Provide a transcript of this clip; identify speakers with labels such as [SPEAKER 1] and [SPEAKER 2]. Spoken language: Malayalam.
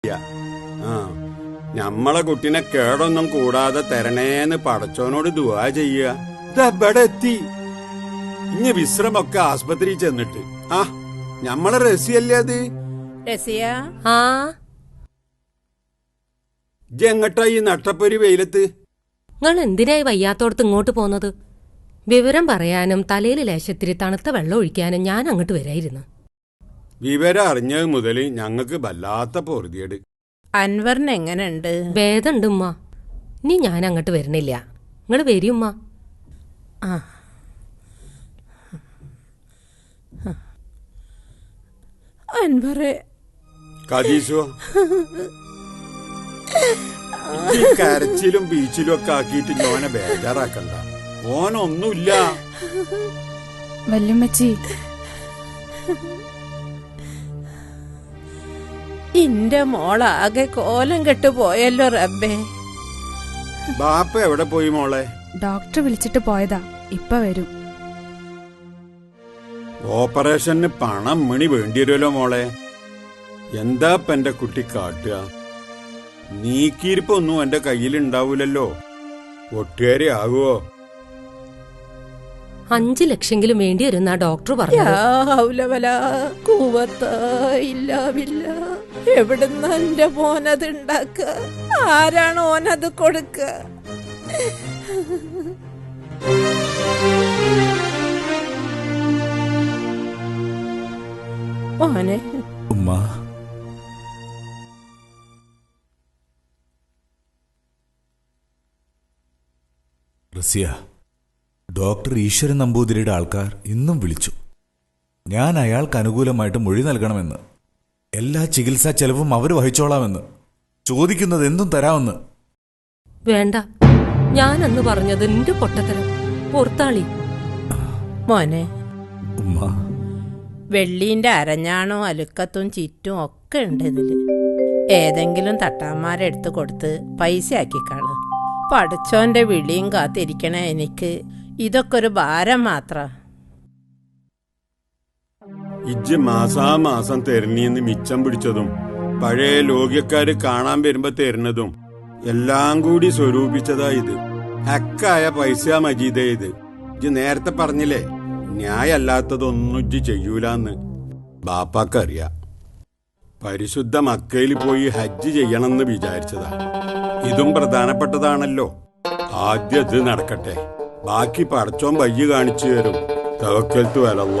[SPEAKER 1] ആ ഞമ്മളെ കുട്ടിനെ കേടൊന്നും കൂടാതെ തരണേന്ന് പടച്ചോനോട് ദുആ ചെയ്യ. ഇതെവിടെ എത്തി? ഇനി വിശ്രമൊക്കെ ആസ്പത്രി ചെന്നിട്ട്. ആ ഞമ്മളെ റസിയല്ലേ അത്?
[SPEAKER 2] റസിയ,
[SPEAKER 1] എങ്ങട്ടാ ഈ നട്ടപ്പൊരി വെയിലത്ത്?
[SPEAKER 3] നിങ്ങൾ എന്തിനായി വയ്യാത്തോടത്ത് ഇങ്ങോട്ട് പോന്നത്? വിവരം പറയാനും തലയിൽ ലേശത്തിരി തണുത്ത വെള്ളം ഒഴിക്കാനും ഞാൻ അങ്ങോട്ട് വരായിരുന്നു.
[SPEAKER 1] വിവരം അറിഞ്ഞത് മുതല് ഞങ്ങക്ക് വല്ലാത്ത പൊറുതിയേട്.
[SPEAKER 2] അൻവറിന് എങ്ങനെയുണ്ട്?
[SPEAKER 3] ഭേദമുണ്ട് ഉമ്മ. ഇനി ഞാൻ അങ്ങോട്ട് വരണില്ല. നിങ്ങൾ വരും ഉമ്മ.
[SPEAKER 2] അൻവറെ
[SPEAKER 1] കദീസോ, ഈ കരച്ചിലും ബീച്ചിലും ഒക്കെ ആക്കിയിട്ട് ഓനെ ബേജാറാക്കണ്ട. ഓനൊന്നുമില്ല.
[SPEAKER 4] വല്യമ്മച്ചി,
[SPEAKER 2] ഇന്റെ മോളാകെ കോലം കെട്ടു പോയല്ലോ റബ്ബേ.
[SPEAKER 1] ബാപ്പ എവിടെ പോയി മോളെ?
[SPEAKER 4] ഡോക്ടർ വിളിച്ചിട്ട് പോയതാ, ഇപ്പൊ വരും.
[SPEAKER 1] ഓപ്പറേഷന് പണം മണി വേണ്ടിവരുമല്ലോ മോളെ. എന്താ ഇപ്പൊ എന്റെ കുട്ടി കാട്ടുക? നീക്കിയിരിപ്പൊന്നും എന്റെ കയ്യിലുണ്ടാവൂലല്ലോ. ഒട്ടുകാരി ആകുവോ?
[SPEAKER 3] 5 ലക്ഷമെങ്കിലും വേണ്ടി വരുന്ന ഡോക്ടർ പറഞ്ഞു.
[SPEAKER 2] എവിടുന്ന എന്റെ മോനത് ഉണ്ടാക്ക? ആരാണ് ഓനത് കൊടുക്ക? മോനെ,
[SPEAKER 5] ഉമ്മ, റസിയ, ഡോക്ടർ ഈശ്വരൻ നമ്പൂതിരിയുടെ ആൾക്കാർ ഇന്നും വിളിച്ചു. ഞാൻ അയാൾക്ക് അനുകൂലമായിട്ട് മൊഴി നൽകണമെന്ന്, എല്ലാ ചികിത്സാ ചെലവും അവർ വഹിച്ചോളാമെന്ന്, ചോദിക്കുന്നത് എന്തും തരാമെന്ന്.
[SPEAKER 3] വേണ്ട, ഞാനന്ന് പറഞ്ഞത് നിന്റെ പൊട്ടത്തരം. പുറത്താളി.
[SPEAKER 2] മോനെ,
[SPEAKER 5] ഉമ്മ,
[SPEAKER 2] വെള്ളീന്റെ അരഞ്ഞാണോ അലുക്കത്തും ചിറ്റും ഒക്കെ ഉണ്ട് ഇതില്. ഏതെങ്കിലും തട്ടാന്മാരെടുത്ത് കൊടുത്ത് പൈസ ആക്കിക്കാള്. പഠിച്ചോന്റെ വിളിയും കാത്തിരിക്കണ എനിക്ക് ഇതൊക്കെ ഒരു ഭാരം മാത്ര.
[SPEAKER 1] ഇജ്ജ് മാസാമാസം തരണീന്ന് മിച്ചം പിടിച്ചതും പഴയ ലോകിയക്കാര് കാണാൻ വരുമ്പോ തരുന്നതും എല്ലാം കൂടി സ്വരൂപിച്ചതാ ഇത്. ഹക്കായ പൈസ മജീദേ ഇത്. ഇജ്ജ് നേരത്തെ പറഞ്ഞില്ലേ ന്യായല്ലാത്തതൊന്നും ഇജ്ജ് ചെയ്യൂലെന്ന്. ബാപ്പാക്കറിയാം. പരിശുദ്ധ മക്കയിൽ പോയി ഹജ്ജ് ചെയ്യണമെന്ന് വിചാരിച്ചതാ. ഇതും പ്രധാനപ്പെട്ടതാണല്ലോ. ആദ്യം ഇത് നടക്കട്ടെ, ബാക്കി പടച്ചോൻ വയ്യ കാണിച്ചു തരും. തവക്കൽത്തു അലല്ലാഹ്.